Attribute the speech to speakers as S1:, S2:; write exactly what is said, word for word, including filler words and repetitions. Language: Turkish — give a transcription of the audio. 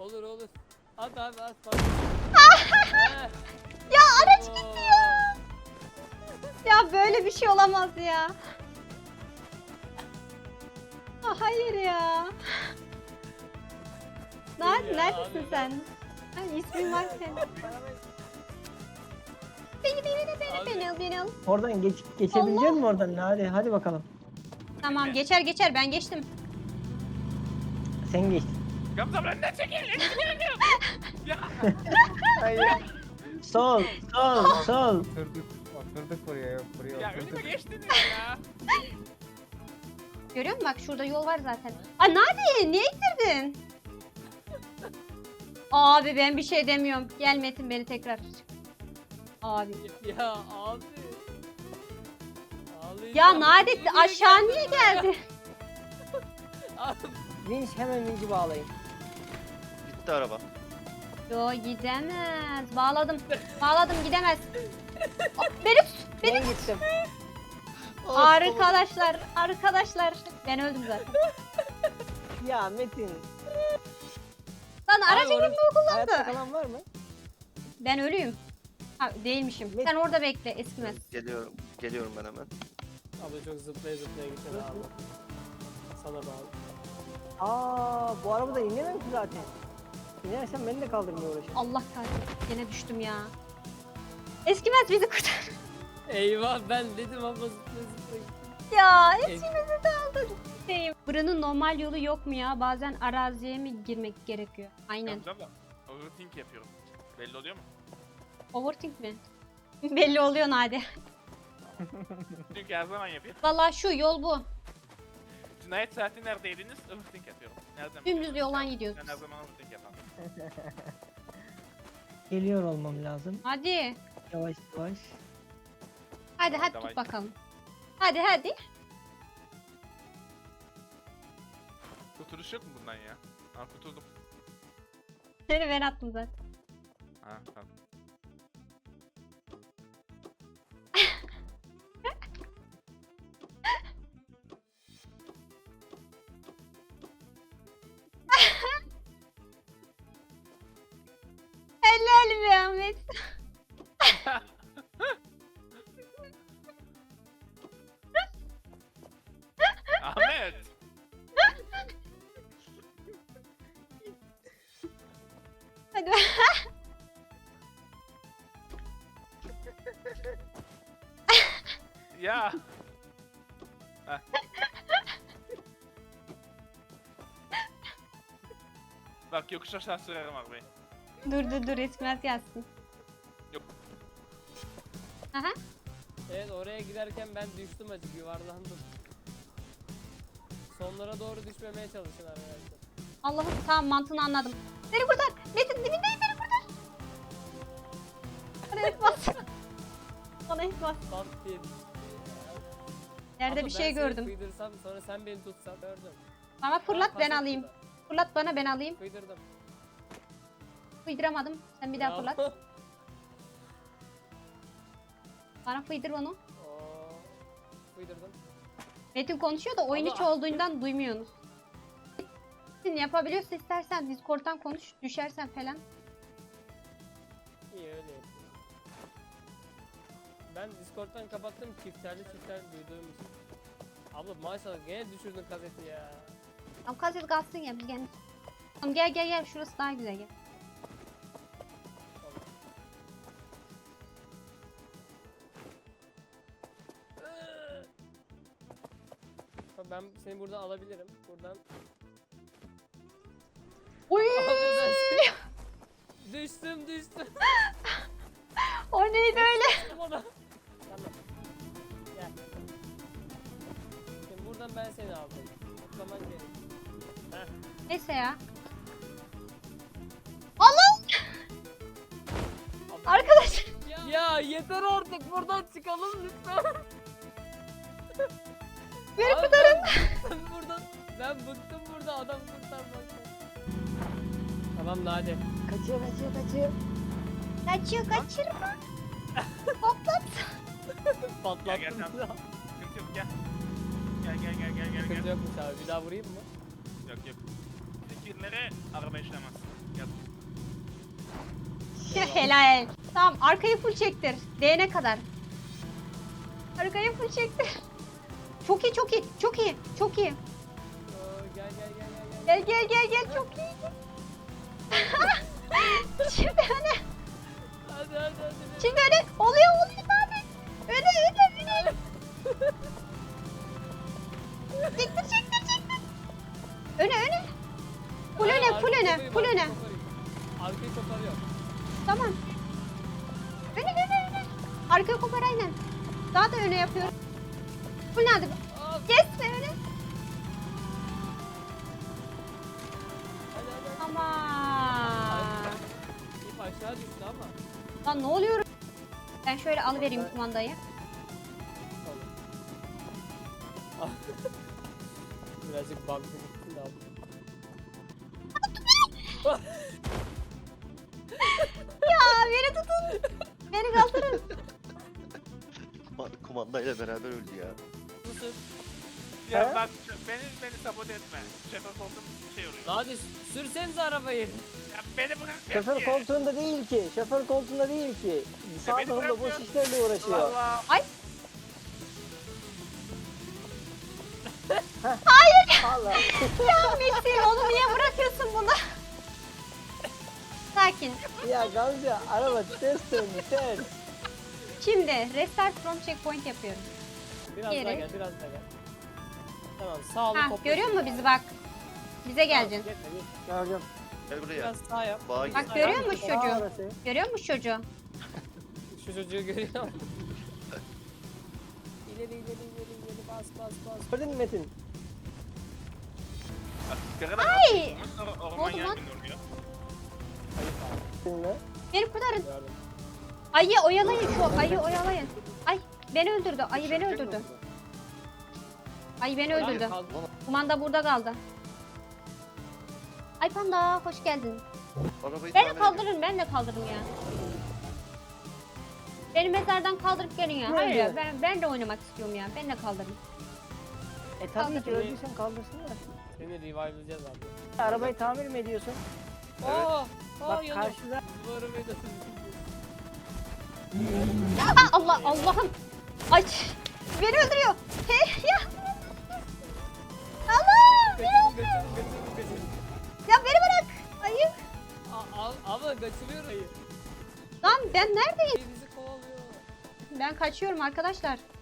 S1: Olur olur. At abi at. Bak.
S2: Ya araç gitti ya. Ya böyle bir şey olamaz ya. Ah, hayır ya. Nerede,
S1: Ya
S2: neredesin
S1: abi,
S2: sen? Ha, ismin var senin. Beni beni beni
S1: Abi.
S2: beni beni al.
S3: Oradan geç, geçebilecek misin oradan? Hadi hadi bakalım.
S2: Tamam geçer geçer ben geçtim.
S3: Sen geç.
S4: Gamze abla ne çekil? Ya.
S5: Hayır.
S3: Sol, sol, sol.
S5: Oturduk. Oturduk buraya. Buraya
S4: Ya önüme
S5: oturduk.
S4: geçtiniz ya.
S2: Görüyor musun bak şurada yol var zaten. Aa Nadi niye ittirdin? Abi ben bir şey demiyorum. Gel Metin beni tekrar. Abi.
S1: Ya abi. Ağlayacağım.
S2: Ya Nadi
S1: Niye
S2: aşağı
S1: geldin
S2: niye
S1: buraya?
S2: geldi?
S1: Abi,
S3: Vinç hemen vinci bağlayın.
S6: Gitti araba.
S2: Yo gidemez. Bağladım. Bağladım gidemez. Aa, Beni tut. Beni
S3: Ben gittim.
S2: Arkadaşlar, arkadaşlar. Ben öldüm zaten.
S3: Ya Metin.
S2: Lan aracı
S1: orası-
S2: kim bu
S3: Hayatta
S2: kullandı?
S3: kalan var mı?
S2: Ben ölüyüm. Ha değilmişim.
S3: Met-
S2: Sen orada bekle eskimez.
S6: Geliyorum. Geliyorum ben hemen.
S1: Abla çok zıplaya zıplaya gittin abi. Sana bağlı.
S3: Aa, bu arabada inemem ki zaten. İnersen beni de kaldırmaya uğraşır.
S2: Allah kahretsin. Yine düştüm ya. Eskimez bizi kurtar.
S1: Eyvah ben dedim abla zıplaya zıplaya gittin.
S2: Ya hepimizi de aldı. Şeyim. Buranın normal yolu yok mu ya? Bazen araziye mi girmek gerekiyor? Aynen.
S4: Gamze abla overthink yapıyorum. Belli oluyor mu?
S2: Overthink mi? Belli oluyor Nadi.
S4: Çünkü her zaman yapıyorum.
S2: Vallahi şu yol bu.
S4: Cinayet saati neredeydiniz? Overthink yapıyorum. Nereden
S2: Dümdüz
S4: biliyorsun?
S2: yoldan
S4: Sen-
S2: gidiyoruz
S4: Sen
S2: biz.
S4: her zaman overthink yapan.
S3: Geliyor olmam lazım.
S2: Hadi.
S3: Yavaş yavaş.
S2: Hadi hadi
S4: Davay.
S2: tut bakalım. Hadi hadi.
S4: Kurtuluş yok mu bundan ya? Ha kurtuldum.
S2: Seni ben attım zaten.
S4: Ha tamam.
S2: Helal be Ahmet.
S4: Ahmet!
S2: Hadi.
S4: Ya! Heh. Bak yokuş aşağı sürerim arabayı.
S2: Dur dur dur eskimez gelsin.
S4: Yok.
S2: Aha.
S1: Evet oraya giderken ben düştüm açık yuvarlandım. Sonlara doğru düşmemeye çalışın arkadaşlar.
S2: Allah'ım tamam mantığını anladım. Beni kurtar. Metin dibindeyim beni kurtar. Bana et bas. Bana et bas.
S1: Bant diye düştü.
S2: Yerde
S1: Abla,
S2: bir şey
S1: ben seni
S2: gördüm.
S1: Kıydırsam sonra sen beni tutsan gördüm.
S2: Bana fırlat
S1: Aa,
S2: ben
S1: pas
S2: alayım.
S1: attı
S2: Fırlat bana ben alayım.
S1: da. Kıydırdım.
S2: Fıydıramadım. Sen bir daha
S1: Bravo.
S2: fırlat. Bana fıydır onu.
S1: Oo, Kıydırdım.
S2: Metin konuşuyor da oyun
S1: Abla-
S2: içi olduğundan duymuyorsunuz. Metin yapabiliyorsa istersen Discord'dan konuş. Düşersen falan.
S1: İyi öyle yapayım. Ben Discord'dan kapattım çiftlerli çiftlerli duyduğum için. Abla maşallah gene düşürdün kaseti ya.
S2: Tamam kaset kalsın ya biz gel. Tamam gel gel gel şurası daha güzel gel.
S1: Bak ben seni buradan alabilirim. Buradan.
S2: Uy!
S1: Abla ben seni... düştüm düştüm.
S2: O neydi öyle?
S1: Bana. Tamam. Gel. Şimdi buradan ben seni aldım. Tutlaman gerek. Heh.
S2: Neyse ya. Allah!
S1: Abla-
S2: Arkadaş.
S1: Ya yeter artık buradan çıkalım lütfen.
S2: Beni
S1: Abi
S2: kurtarın.
S1: Ben, ben buradan ben bıktım burada adam kurtarmaktan. Tamam Nade.
S3: Kaçıyor kaçıyor kaçıyor.
S2: Kaçıyor kaçırma. Hoplat.
S1: Patlattım.
S4: Gel, gel, tamam. Sıkıntı yok gel. Gel gel gel gel gel
S1: Sıkıntı
S4: gel.
S1: yokmuş abi bir daha vurayım mı?
S4: Yok yok. Fikirlere araba işlemez. Yap.
S2: Helal. Tamam arkayı full çektir. Değene kadar. Arkayı full çektir. Çok iyi çok iyi çok iyi çok iyi.
S1: Oo, gel gel gel gel gel.
S2: Gel gel gel gel çok iyi. Şimdi öne.
S1: Hadi hadi hadi.
S2: Şimdi öne. Oluyor oluyor abi. Öne öne öne. Çektir çektir çektir. Öne öne. Full
S1: Hayır,
S2: öne full
S1: arkayı
S2: öne
S1: koparayım,
S2: full
S1: arkayı
S2: öne.
S1: koparayım. Arkayı koparıyor.
S2: Tamam. Öne öne öne. Arkayı kopar aynen. Daha da öne yapıyorum. Full nerede?
S1: Aa,
S2: Kesme öne.
S1: hadi hadi.
S2: Ama.
S1: İp aşağı düştü ama.
S2: Lan ne oluyor? Ben şöyle alıvereyim kumandayı.
S1: Birazcık bug'lı gittin de abi.
S2: Ya beni tutun. Beni kaldırın.
S6: Kuman- Kumandayla beraber öldü ya.
S1: Susun.
S4: Ya
S3: He?
S4: bak şu- beni beni sabote etme. Şoför koltuğum şey oluyor.
S1: Hadi sürsenize arabayı.
S4: Ya beni bırak.
S3: Şoför
S4: ya.
S3: koltuğunda değil ki. Şoför koltuğunda değil ki. Sağ
S4: beni
S3: tarafında boş
S4: bırakmıyor.
S3: işlerle uğraşıyor.
S4: Allah.
S2: Ay.
S3: Allah.
S2: Ya Metin onu niye bırakıyorsun bunu? Sakin.
S3: Ya Gamze araba ters döndü ters.
S2: Şimdi restart from checkpoint yapıyorum.
S1: Biraz
S2: Geri.
S1: daha gel biraz daha gel. Tamam sağ olun.
S2: Ha görüyor musun bizi bak? Bize geleceksin.
S3: Ya hocam.
S6: Gel buraya.
S1: Biraz sağ yap.
S6: Bağa gel.
S2: Bak görüyor musun
S3: Aa,
S2: çocuğu?
S3: orası.
S2: Görüyor musun çocuğu?
S1: Şu çocuğu görüyor musun? İleri ileri ileri ileri bas bas bas.
S3: Gördün mü Metin?
S4: Sigara da
S2: Ay!
S4: Sonra
S2: oldu
S4: orman
S2: lan?
S4: yangını oluyor.
S1: Ayıp abi
S3: Seninle.
S2: Beni kurtarın.
S1: gördüm.
S2: Ayı oyalayın şu ayı oyalayın. Ay beni öldürdü. Ayı beni öldürdü. Ayı beni öldürdü.
S1: Kaldı.
S2: Kumanda burada kaldı. Ay panda hoş geldin.
S6: Arabayı
S2: Beni
S6: tamir
S2: kaldırın ben de kaldırın ya. Beni mezardan kaldırıp gelin ya.
S3: Ne
S2: Hayır
S3: oluyor?
S2: ya ben, ben de oynamak istiyorum ya. Ben de kaldırın.
S3: E tabii ki
S1: Kaldır.
S3: öldüysen kaldırsınlar.
S1: Seni revive'layacağız abi.
S3: Arabayı tamir mi ediyorsun?
S6: Evet.
S1: Aa, aa
S3: Bak
S1: yanıyor.
S3: karşıda.
S1: Bu arabayı da
S2: Aa, Allah Allah'ım. Ay beni öldürüyor. He ya. Allah beni
S1: Kaçırın
S2: öldürüyor.
S1: kaçırın kaçırın kaçırın.
S2: Ya beni bırak. Ayı.
S1: Aa, al, abla kaçırıyor ayı.
S2: Lan ben neredeyim?
S1: Ayı bizi kovalıyor.
S2: Ben kaçıyorum arkadaşlar.